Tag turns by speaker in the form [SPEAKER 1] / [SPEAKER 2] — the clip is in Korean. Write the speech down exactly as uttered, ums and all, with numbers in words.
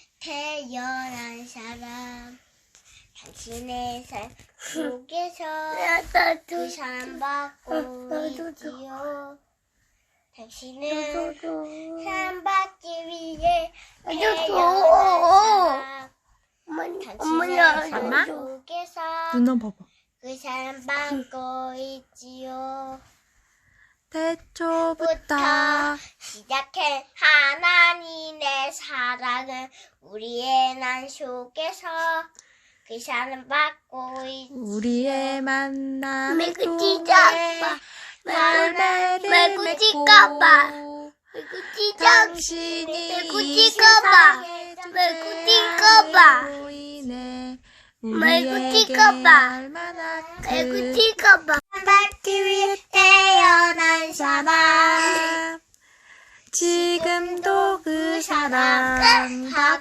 [SPEAKER 1] 태어난 사람 당신의 삶 속에서 그 사랑받고 있지요. 당신은 사랑받기 위해 태어난 사람 당신의 삶 속에서
[SPEAKER 2] 눈 봐봐.
[SPEAKER 1] 그 사랑받고 있지요.
[SPEAKER 2] 태초부터
[SPEAKER 1] 부터 시작한 하나님의 사랑은 우리의 난 속에서 그 사랑받고 있지요.
[SPEAKER 2] 우리의 만남을
[SPEAKER 1] 말고
[SPEAKER 2] 통해
[SPEAKER 1] 찢어봐.
[SPEAKER 2] 열매를
[SPEAKER 1] 말고
[SPEAKER 2] 맺고
[SPEAKER 1] 찢어봐. 말고 찢어.
[SPEAKER 2] 당신이
[SPEAKER 1] 말고
[SPEAKER 2] 이
[SPEAKER 1] 찢어봐.
[SPEAKER 2] 세상에
[SPEAKER 1] 말고 찢어봐.
[SPEAKER 2] 주로 인해
[SPEAKER 1] 말고
[SPEAKER 2] 우리에게
[SPEAKER 1] 찢어봐.
[SPEAKER 2] 얼마나
[SPEAKER 1] 말고
[SPEAKER 2] 큰
[SPEAKER 1] 찢어봐. 받기 위해 태어난 사람
[SPEAKER 2] 지금도 그 사랑